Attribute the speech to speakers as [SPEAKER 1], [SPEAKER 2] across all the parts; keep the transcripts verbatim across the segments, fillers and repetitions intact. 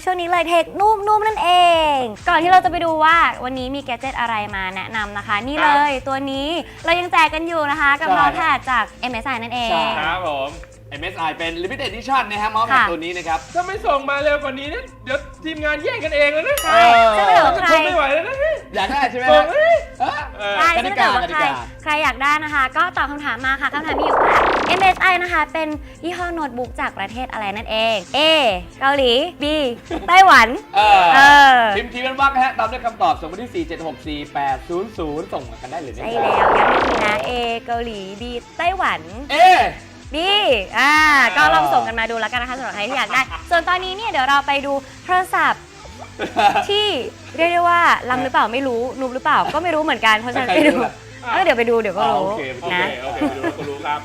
[SPEAKER 1] ช่วงนี้เลยเทคนุ่มๆนั่นเองก่อนที่เราจะไปดูว่าวันนี้มีแกดเจ็ตอะไรมาแนะนำนะคะนี่เลยตัวนี้เรายังแจกกันอยู่นะคะกับเมาส์แพดจาก เอ็ม เอส ไอ นั่นเอง
[SPEAKER 2] ครับผม เอ็ม เอส ไอ เป็น Limited Edition นะฮะเมาส์แพดตัวนี้นะครับ
[SPEAKER 3] ถ้าไม่ส่งมาเร็วกว่านี้นะเดี๋ยวทีมงานแย่งกันเองแล้วนะ
[SPEAKER 1] ใช่ซึ่งถ้าเกิดว่าใคร
[SPEAKER 3] ไม่ไหวแล้วนะ
[SPEAKER 2] อยากได้ใช่ไหม
[SPEAKER 1] ใช่
[SPEAKER 2] ฮะ
[SPEAKER 1] ซึ่งถ้าเกิดว่าใครใครอยากได้นะคะก็ตอบคำถามมาค่ะคำถามมีอยู่ว่า เอ็ม เอส ไอ นะคะเป็นยี่ห้อโน้ตบุ๊กจากประเทศอะไรนั่นเอง A เกาหลี B ไต้หวัน
[SPEAKER 2] เอ
[SPEAKER 1] อ
[SPEAKER 2] พิมพ์ทีเป็นวักฮะตามด้วยคำตอบส่งมาที่ สี่ เจ็ด หก สี่ แปด ศูนย์ ศูนย์ ส่งมากันได้เลยนะ
[SPEAKER 1] ใช่แล้วย้ำอีกทีนะ A เกาหลี B ไต้หวัน
[SPEAKER 2] A
[SPEAKER 1] B อ่าก็ลองส่งกันมาดูแล้วกันนะคะสำหรับใครที่อยากได้ส่วนตอนนี้เนี่ยเดี๋ยวเราไปดูโทรศัพท์ที่เรียกได้ว่าล้ำหรือเปล่าไม่รู้นุบหรือเปล่าก็ไม่รู้เหมือนกันเพราะฉะนั้นไปดูเออเดี๋ยวไปดูเดี๋ยวก็รู้นะ
[SPEAKER 3] โอเคโอเคดูก็รู้ครับ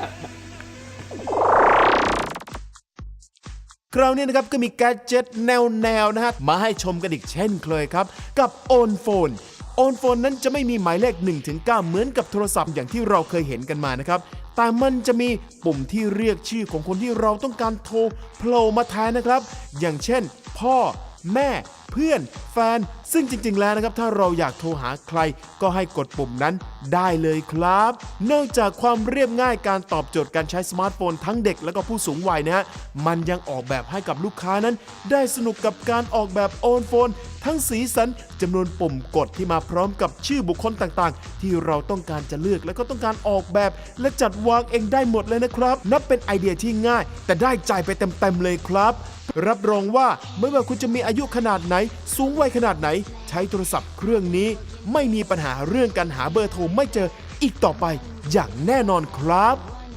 [SPEAKER 4] คราวนี้นะครับก็มีแกดเจ็ตแนวๆนะฮะมาให้ชมกันอีกเช่นเคยครับกับ โอนโฟน โอนโฟน นั้นจะไม่มีหมายเลข หนึ่งถึงเก้า เหมือนกับโทรศัพท์อย่างที่เราเคยเห็นกันมานะครับแต่มันจะมีปุ่มที่เรียกชื่อของคนที่เราต้องการโทรโผล่มาแทนนะครับอย่างเช่นพ่อแม่เพื่อนแฟนซึ่งจริงๆแล้วนะครับถ้าเราอยากโทรหาใครก็ให้กดปุ่มนั้นได้เลยครับนอกจากความเรียบง่ายการตอบโจทย์การใช้สมาร์ทโฟนทั้งเด็กและก็ผู้สูงวัยนะฮะมันยังออกแบบให้กับลูกค้านั้นได้สนุกกับการออกแบบโอนโฟนทั้งสีสันจำนวนปุ่มกดที่มาพร้อมกับชื่อบุคคลต่างๆที่เราต้องการจะเลือกและก็ต้องการออกแบบและจัดวางเองได้หมดเลยนะครับนับเป็นไอเดียที่ง่ายแต่ได้ใจไปเต็มๆเลยครับรับรองว่าไม่ว่าคุณจะมีอายุขนาดไหนสูงวัยขนาดไหนใช้โทรศัพท์เครื่องนี้ไม่มีปัญหาเรื่องการหาเบอร์โทรไม่เจออีกต่อไปอย่างแน่นอนครับ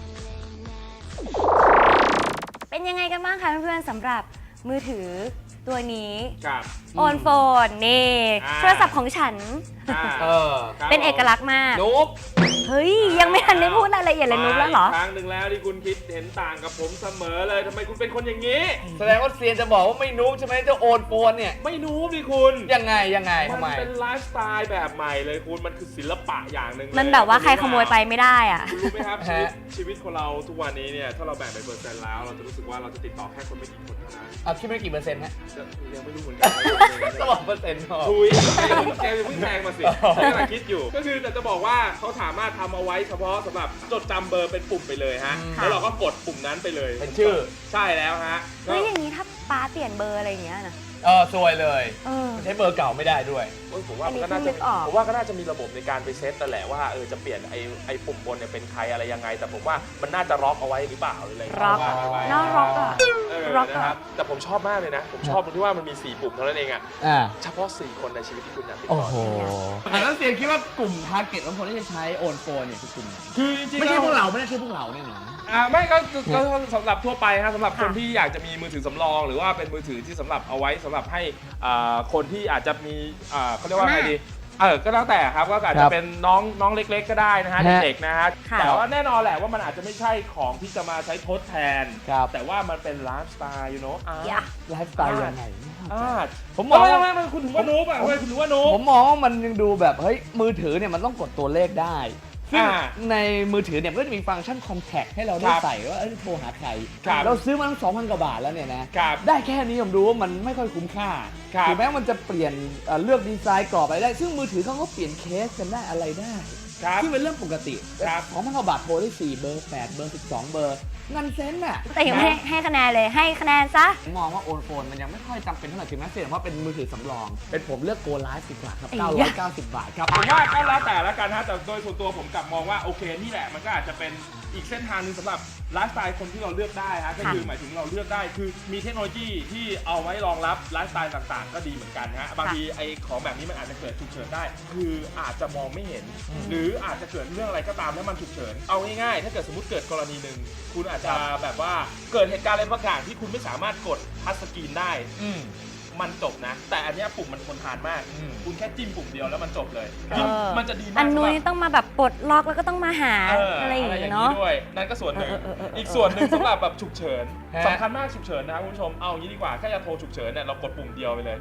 [SPEAKER 1] เป็นยังไงกันบ้างคะเพื่อนๆสำหรับมือถือตัวนี้
[SPEAKER 3] ครับ
[SPEAKER 1] โอนโฟนนี่โทรศัพท์ของฉันเป็นเอกลักษณ์มาก
[SPEAKER 2] นุ๊บ
[SPEAKER 1] เฮ้ยยังไม่ทันได้พูดรายละเอียดเลยนุ๊บแล้วเหรอ
[SPEAKER 3] ครั้งหนึ่งแล้วที่คุณคิดเห็นต่างกับผมเสมอเลยทำไมคุณเป็นคนอย่างนี้
[SPEAKER 2] แสดงว่าเซียนจะบอกว่าไม่นุ๊บใช่ไหมเจ้าโอนโฟนเนี่ย
[SPEAKER 3] ไม่นุ๊บดิคุณ
[SPEAKER 2] ยังไงยังไงทำไม
[SPEAKER 3] มันเป็นไลฟ์สไตล์แบบใหม่เลยคุณมันคือศิลปะอย่างหนึ่ง
[SPEAKER 1] มันแบบว่าใครขโมยไปไม่ได้อ่ะ
[SPEAKER 3] คุณรู้ไหมครับชีวิตชีวิตของเราทุกวันนี้เนี่ยถ้าเราแบ่งเป็นเปอร์เซ็นต์แล้วเราจะรู้สึกว่าเราจะติดต่อแค่คนไม่กี่คนเท่านั้น
[SPEAKER 2] เอาคิดไม่กี่เปอร์เซ็นต์ฮะ
[SPEAKER 3] ยังไม่รู้เหมือนกัน
[SPEAKER 2] ต้องบอกเปอร์เซ็นต์
[SPEAKER 3] คุยแกเพิ่งแทงมาสิแกกำลังคิดอยู่ก็คือแต่จะบอกว่าเขาสามารถทำเอาไว้เฉพาะสำหรับจดจำเบอร์เป็นปุ่มไปเลยฮะแล้วเราก็กดปุ่มนั้นไปเลย
[SPEAKER 2] เป็นชื่อ
[SPEAKER 3] ใช่แล้วฮะ
[SPEAKER 1] เฮ้ยอย่างนี้ถ้าป้าเปลี่ยนเบอร์อะไรอย่างเงี้ยนะ
[SPEAKER 2] เออซวยเลยใช้เบอร์เก่าไม่ได้ด้วย
[SPEAKER 3] ผมว่าก็น่าจะผมว่าก็น่าจะมีระบบในการไปเซตแต่แหละว่าเออจะเปลี่ยนไอ้ไอ้ปุ่มบนเนี่ยเป็นใครอะไรยังไงแต่ผมว่ามันน่าจะล็อกเอาไว้หรือเปล่าอะไร
[SPEAKER 1] ร็อกน่าร็อกอ่ะ
[SPEAKER 3] ร็อกนะครับแต่ผมชอบมากเลยนะผมชอบตรงที่ว่ามันมีสี่ปุ่มเท่านั้นเองอ่ะเฉพาะสี่คนในชีวิตที่คุณอยากติดต่อ
[SPEAKER 2] โอ้โหแล้วเซียนคิดว่ากลุ่มทาร์เก็ตของคนที่จะใช้โอนโฟนเนี่ยคือกลุ่ม
[SPEAKER 3] คือจริงๆ
[SPEAKER 2] ไม่ใช่พวกเราไม่ใช่พวกเราแน่นอน
[SPEAKER 3] อ่าไม่ก็ก็สำหรับทั่วไปครับสำหรับคนที่อยากจะมีมือถือสำรองหรือว่าเป็นมือถือที่สำหรับเอาไว้สำหรับให้คนที่อาจจะมีเขาเรียกว่าไงดีเออก็แล้วแต่ครับก็อาจจะเป็นน้องน้องเล็กๆก็ได้นะฮะเด็กๆนะฮะแต่ว่าแน่นอนแหละว่ามันอาจจะไม่ใช่ของที่จะมาใช้ทดแทนแต่ว่ามันเป็นไลฟ์สไตล์ยูโน่
[SPEAKER 2] ไลฟ์สไตล์ยังไง
[SPEAKER 3] ผมมองว่ามันคุณถึงว่านูบอ่ะคุณถึงว่านูบ
[SPEAKER 2] ผมมองว่ามันยังดูแบบเฮ้ยมือถือเนี่ยมันต้องกดตัวเลขได้ซึ่งในมือถือเนี่ยก็จะมีฟังก์ชัน Contact ให้เราได้ใส่ว่าโทรหาใครเราซื้อมาตั้ง สองพัน กว่าบาทแล้วเนี่ยนะได้แค่นี้ผมดูว่ามันไม่ค่อยคุ้มค่าถึงแม้มันจะเปลี่ยนเลือกดีไซน์กรอบอะไรได้ซึ่งมือถือเขาก็เปลี่ยนเคสกันได้อะไรได้ซึ่งเป็นเรื่องปกติสองพัน กว่าบาทโทรได้สี่เบอร์แปดเบอร์สิบสองเบอร์เงินเซนน่ะ
[SPEAKER 1] แต่ยังไม่ให้คะแนนเลยให้คะแนนซะ
[SPEAKER 2] มองว่าโอนโฟนมันยังไม่ค่อยจำเป็นเท่าไหร่ถึงแม้เสียเพราะเป็นมือถือสำรองเป็นผมเลือกโกไลฟ์ดีกว่าครับเก้าร้อยเก้าสิบบาทครับ
[SPEAKER 3] ผมว่าก็แล้วแต่ละกันฮะแต่โดยส่วนตัวผมกลับมองว่าโอเคนี่แหละมันก็อาจจะเป็นอีกเส้นทางนึงสำหรับไลฟ์สไตล์คนที่เราเลือกได้ฮะก็คือหมายถึงเราเลือกได้คือมีเทคโนโลยีที่เอาไว้รองรับไลฟ์สไตล์ต่างๆก็ดีเหมือนกันฮะบางทีไอ้ของแบบนี้มันอาจจะเกิดฉุกเฉินได้คืออาจจะมองไม่เห็นหรืออาจจะเกิดเรื่องอะไรก็ตามแล้วมันฉุกเฉินเอาง่ายๆถ้าเกิดสมมติเกิดกรณีหนึ่งคุณอาจจะแบบว่าเกิดเหตุการณ์อะไรบางอย่างที่คุณไม่สามารถกดทัชสกรีนได้มันจบนะแต่อันนี้ปุ่มมันทนทานมากคุณแค่จิ้มปุ่มเดียวแล้วมันจบเลยมันจะดีมาก
[SPEAKER 1] อันนู้นต้องมาแบบปลดล็อกแล้วก็ต้องมาหาอะไรอย่างนี้เนาะ
[SPEAKER 3] ด้วยนั่นก็ส่วนหนึ่งอีกส่วนหนึ่งสำหรับแบบฉุกเฉินสำคัญมากฉุกเฉินนะครับคุณผู้ชมเอางี้ดีกว่าแค่จะโทรฉุกเฉินเนี่ยเรากดปุ่มเดียวไปเลย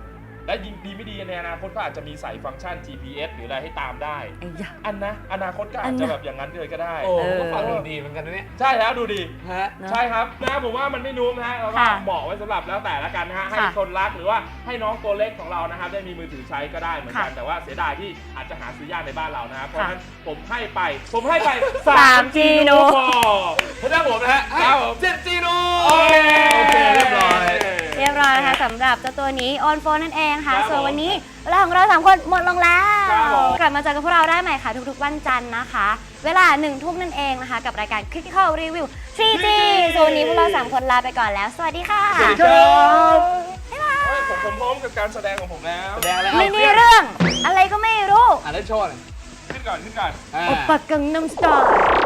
[SPEAKER 3] และยิงดีไม่ดีในอนาคตก็อาจจะมีใส่ฟังก์ชัน จี พี เอส หรืออะไรให้ตามได้
[SPEAKER 1] ไอ้ยะ
[SPEAKER 3] อันนะอนาคตก็อาจจะแบบอย่างนั้นเลยก็ได้
[SPEAKER 2] โอ้
[SPEAKER 1] เออ
[SPEAKER 2] ก็ฟังดูดีเหมือนกันนะเนี่ย
[SPEAKER 3] ใช่แล้วดูดี
[SPEAKER 2] ฮะ
[SPEAKER 1] เนอะ
[SPEAKER 3] ใช่ครับนะผมว่ามันไม่นุ่มนะฮะเราก็
[SPEAKER 1] ค่ะ
[SPEAKER 3] เหมาะไว้สำหรับแล้วแต่ละกันนะฮะให้
[SPEAKER 1] ค่ะ
[SPEAKER 3] คนรักหรือว่าให้น้องตัวเล็กของเรานะครับได้มีมือถือใช้ก็ได้เหมือนกัน
[SPEAKER 1] ค่ะ
[SPEAKER 3] แต่ว่าเสียดายที่อาจจะหาซื้อยากในบ้านเรานะครับเพราะ
[SPEAKER 1] ค่ะ
[SPEAKER 3] ฉะนั้นผมให้ไป ผมให้ไป
[SPEAKER 1] สามจี
[SPEAKER 3] โน
[SPEAKER 1] โน
[SPEAKER 3] พอ
[SPEAKER 2] พระเจ้าผมนะฮะให้
[SPEAKER 3] ครับผม
[SPEAKER 2] เจ็ดจีโน
[SPEAKER 3] โอเค
[SPEAKER 2] โอเคเรียบร้อย
[SPEAKER 1] เรียบร้อยนะคะสำหรับเจ้าตัวนี้ On Phone นั่นเองค่ะ
[SPEAKER 3] ครับ
[SPEAKER 1] ส่วน
[SPEAKER 3] ผม
[SPEAKER 1] วันนี้เวลาของเราสามคนหมดลงแล้ว
[SPEAKER 3] ครับผม
[SPEAKER 1] กลับมาเจอกับพวกเราได้ใหม่ค่ะ ทุกๆ วันจันทร์นะคะ เวลาหนึ่งทุ่มนั่นเองนะคะ กับรายการ Critical Review ทรี จี ส่วนวันนี้พวกเราสามคนลาไปก่อนแล้ว สวัสดีค่ะ
[SPEAKER 3] สวัสดีครับเฮ้ยผมผมพร้อมกับการแสดงของผมแล้ว
[SPEAKER 2] แสดงอะไร
[SPEAKER 1] ไม่
[SPEAKER 2] เอา
[SPEAKER 1] มีเรื่อง อะไรก็ไม่รู้
[SPEAKER 2] อ่านได้โชว์หน่อย
[SPEAKER 3] ขึ้นก่อนขึ้นก่อน
[SPEAKER 2] อ่า
[SPEAKER 1] โอปะกังนัมสไตล์